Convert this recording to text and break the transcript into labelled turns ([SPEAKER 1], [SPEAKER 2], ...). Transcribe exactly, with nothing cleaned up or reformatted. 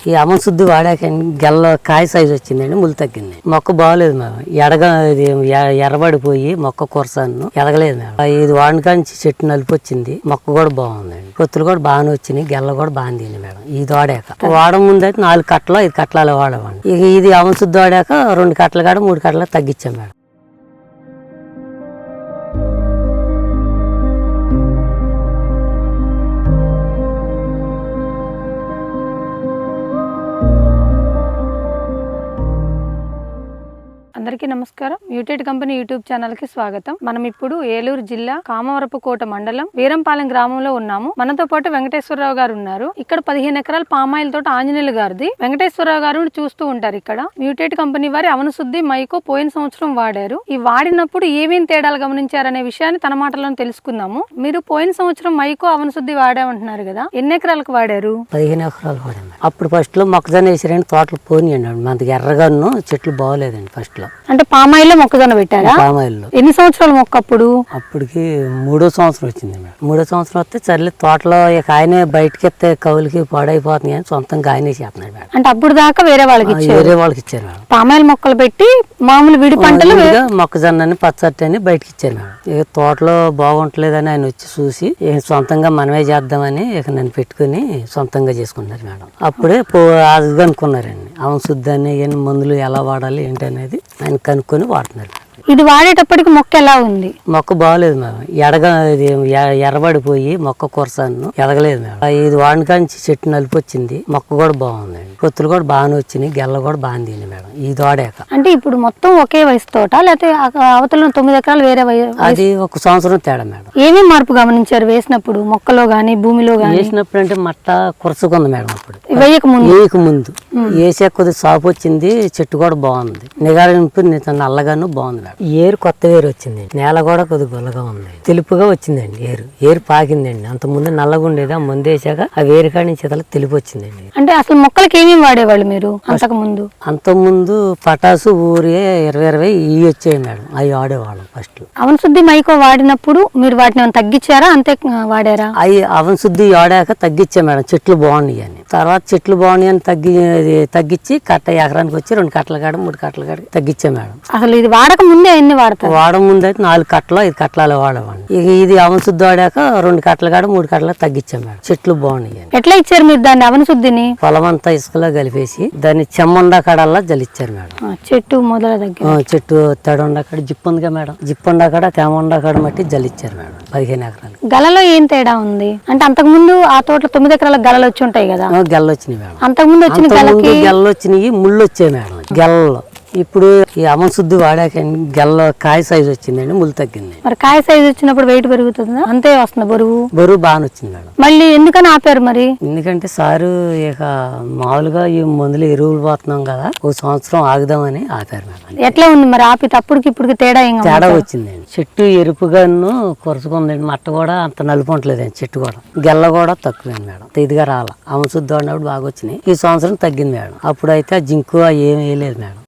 [SPEAKER 1] ఈ అమ్మ శుద్ధి వాడాక గెల్ల కాయ సైజు వచ్చిందండి, ముళ్ళు తగ్గింది. మొక్క బాగోలేదు మేడం, ఎడగ ఇది ఎర్రబడిపోయి మొక్క కొరసాను ఎదగలేదు మేడం. ఇది వాడిన కాంచి చెట్టు నలుపు వచ్చింది, మొక్క కూడా బాగుందండి, పొత్తులు కూడా బాగానే వచ్చినాయి, గెల్ల కూడా బాగా తింది మేడం. ఇది వాడాక వాడడం ముందు అయితే నాలుగు కట్టలు ఐదు కట్టలు వాడేవాడి. ఇక ఇది అమ్మ శుద్ధి వాడాక రెండు కట్టలు కాడ మూడు కట్టలు తగ్గించాం మేడం.
[SPEAKER 2] అందరికీ నమస్కారం. మ్యూటెడ్ కంపెనీ యూట్యూబ్ ఛానల్ కి స్వాగతం. మనం ఇప్పుడు ఏలూరు జిల్లా కామవరపుకోట మండలం వీరంపాలెం గ్రామంలో ఉన్నాము. మనతో పాటు వెంకటేశ్వరరావు గారు ఉన్నారు. ఇక్కడ పదిహేను ఎకరాల పామాయిల్ తోట ఆంజనేయులు గారిది. వెంకటేశ్వరరావు గారు చూస్తూ ఉంటారు. ఇక్కడ మ్యూటెడ్ కంపెనీ వారి అవనశుద్ధి మైకో పోయిన సంవత్సరం వాడారు. ఈ వాడినప్పుడు ఏమేమి తేడాలు గమనించారనే విషయాన్ని తన మాటల్లో తెలుసుకుందాము. మీరు పోయిన సంవత్సరం మైకో అవనశుద్ధి వాడామంటున్నారు కదా, ఎన్ని ఎకరాలకు వాడారు?
[SPEAKER 1] పదిహేను ఎకరాలు వాడాము. అప్పుడు ఫస్ట్ లో మొక్కజొన్న వేసారండి, తోటలు పోనీయండి, మనకి ఎర్రగాను చెట్లు బాగోలేదండి. ఫస్ట్ లో
[SPEAKER 2] అంటే పామాయిల్ లో మొక్కజొన్న పెట్టారా?
[SPEAKER 1] పామాయిల్ లో
[SPEAKER 2] ఎన్ని సంవత్సరాల మొక్క అప్పుడు?
[SPEAKER 1] అప్పటికి మూడో సంవత్సరం వచ్చింది మేడం. మూడో సంవత్సరం వస్తే సర్లే తోటలో ఇక ఆయనే బయటకి ఎత్తే కవులకి పాడైపోతుంది కానీ సొంతంగా ఆయనే చేస్తున్నాడు మేడం.
[SPEAKER 2] అంటే అప్పుడు దాకా వేరే వాళ్ళకి ఇచ్చారు?
[SPEAKER 1] వేరే వాళ్ళకి ఇచ్చారు మేడం.
[SPEAKER 2] పామాయిల్ మొక్కలు పెట్టి మామూలు విడి పంటలు
[SPEAKER 1] మొక్కజొన్న పచ్చటి అని బయటకి ఇచ్చారు మేడం. ఇక తోటలో బాగుంటలేదని ఆయన వచ్చి చూసి ఇక సొంతంగా మనమే చేద్దామని ఇక నన్ను పెట్టుకుని సొంతంగా చేసుకున్నారు మేడం. అప్పుడే పో అది అనుకున్నారండి, అవన శుద్ధి అని మందులు ఎలా వాడాలి ఏంటి అనేది ఆయన కనుక్కొని వాడుతున్నారు.
[SPEAKER 2] ఇది వాడేటప్పటికి మొక్క ఎలా ఉంది?
[SPEAKER 1] మొక్క బాగోలేదు మేడం, ఎడగ ఇది ఎర్రబడిపోయి మొక్క కొరసాను ఎదగలేదు మేడం. ఇది వాడిన కాంచి చెట్టు నలుపు వచ్చింది, మొక్క కూడా బాగుందండి, పొత్తులు కూడా బాగానే వచ్చినాయి, గెల్ల కూడా బాగా తింది మేడం. ఇది వాడాక
[SPEAKER 2] అంటే ఇప్పుడు మొత్తం ఒకే వయసు తోట లేకపోతే అవతల తొమ్మిది ఎకరాలు వేరే?
[SPEAKER 1] అది ఒక సంవత్సరం తేడా మేడం.
[SPEAKER 2] ఏమేమి మార్పు గమనించారు వేసినప్పుడు? మొక్కలో గానీ భూమిలో గానీ?
[SPEAKER 1] వేసినప్పుడు అంటే మట్ట కురసుకుంది మేడం. అప్పుడు
[SPEAKER 2] వేయక ముందు
[SPEAKER 1] వేయక ముందు వేసే కొద్దిగా సాపు వచ్చింది, చెట్టు కూడా బాగుంది, నిగారింపు నల్లగాను బాగుంది మేడం. ఏరు కొత్త వేరు వచ్చింది, నేల కూడా కొద్దిగా గుల్లగా ఉంది, తెలుపుగా వచ్చిందండి. ఏరు ఏరు పాకిందండి. అంత ముందు నల్లగా ఉండేది, ఆ ముందు వేసాక ఆ వేరు కాడి నుంచి తెలుపు వచ్చిందండి.
[SPEAKER 2] అంటే అసలు మొక్కలకి ఏమేమి వాడేవాళ్ళు మీరు అంతకు ముందు?
[SPEAKER 1] అంత ముందు పటాసు ఊరి ఇరవై ఇరవై ఇవి వచ్చాయి మేడం, అవి వాడేవాళ్ళం ఫస్ట్.
[SPEAKER 2] అవన శుద్ధి మైకో వాడినప్పుడు మీరు వాటిని ఏమైనా తగ్గించారా అంతే వాడారా?
[SPEAKER 1] అవి అవన శుద్ధి వాడాక తగ్గించా మేడం, చెట్లు బాగున్నాయి అని. తర్వాత చెట్లు బాగున్నాయి అని తగ్గి తగ్గించి కట్ట ఎకరానికి వచ్చి రెండు కట్టల కాడ మూడు కట్టల కాడ తగ్గించా మేడం.
[SPEAKER 2] అసలు ఇది వాడక ముందే ఎన్ని వాడతారు?
[SPEAKER 1] వాడక ముందు అయితే నాలుగు కట్టలు ఐదు కట్టలు వాడేవాడిని. ఇక ఇది అవన శుద్ధి వాడాక రెండు కట్టల కాడ మూడు కట్టల తగ్గించాం మేడం. చెట్లు బాగున్నాయి అని.
[SPEAKER 2] ఎట్లా ఇచ్చారు మీరు దాన్ని అవన శుద్ధిని?
[SPEAKER 1] పొలం అంతా ఇసుకలో కలిపేసి దాన్ని చెమ్మండా కాడల్లా జలిచ్చారు మేడం.
[SPEAKER 2] చెట్టు మొదల దగ్గర
[SPEAKER 1] చెట్టు తడండా కాడ జిప్పు ఉందిగా మేడం, జిప్పుండా కాడ తేమండా కాడ మట్టి జలిచ్చారు మేడం. పదిహేను ఎకరాలు.
[SPEAKER 2] గలలో ఏం తేడా ఉంది అంటే? అంతకు ముందు ఆ తోటలో తొమ్మిది ఎకరాల గలలు వచ్చి ఉంటాయి కదా,
[SPEAKER 1] గెల్ల వచ్చినాయి మేడం.
[SPEAKER 2] అంతకు ముందు వచ్చిన గెల్లకి
[SPEAKER 1] గెల్ల వచ్చినాయి, ముళ్ళు వచ్చాయి మేడం గెల్లలో. ఇప్పుడు ఈ అమ్మ శుద్ధి వాడాక గెల్ల కాయ సైజు వచ్చిందండి, ముళ్ళు తగ్గింది.
[SPEAKER 2] మరి కాయ సైజు వచ్చినప్పుడు వెయిట్ పెరుగుతుందా? అంతే వస్తుంది బరువు?
[SPEAKER 1] బరువు బాగానే వచ్చింది మేడం.
[SPEAKER 2] మళ్ళీ ఎందుకని ఆపారు మరి?
[SPEAKER 1] ఎందుకంటే సారు ఇక మామూలుగా ఈ మందులు ఎరువులు పోతున్నాం కదా, ఒక సంవత్సరం ఆగుదామని ఆపారు మేడం.
[SPEAKER 2] ఎట్లా ఉంది మరి ఆపి అప్పటికి ఇప్పటికి తేడా?
[SPEAKER 1] తేడా వచ్చిందండి. చెట్టు ఎరుపుగాను కొరసుకుందండి, మట్ట కూడా అంత నలుపు ఉంటలేదండి, చెట్టు కూడా గెల్ల కూడా తక్కువైంది మేడం. ఇదిగా రాల అమ్మ శుద్ధి వాడినప్పుడు బాగా వచ్చినాయి. ఈ సంవత్సరం తగ్గింది మేడం. అప్పుడైతే జింకు ఏమి వేయలేదు మేడం.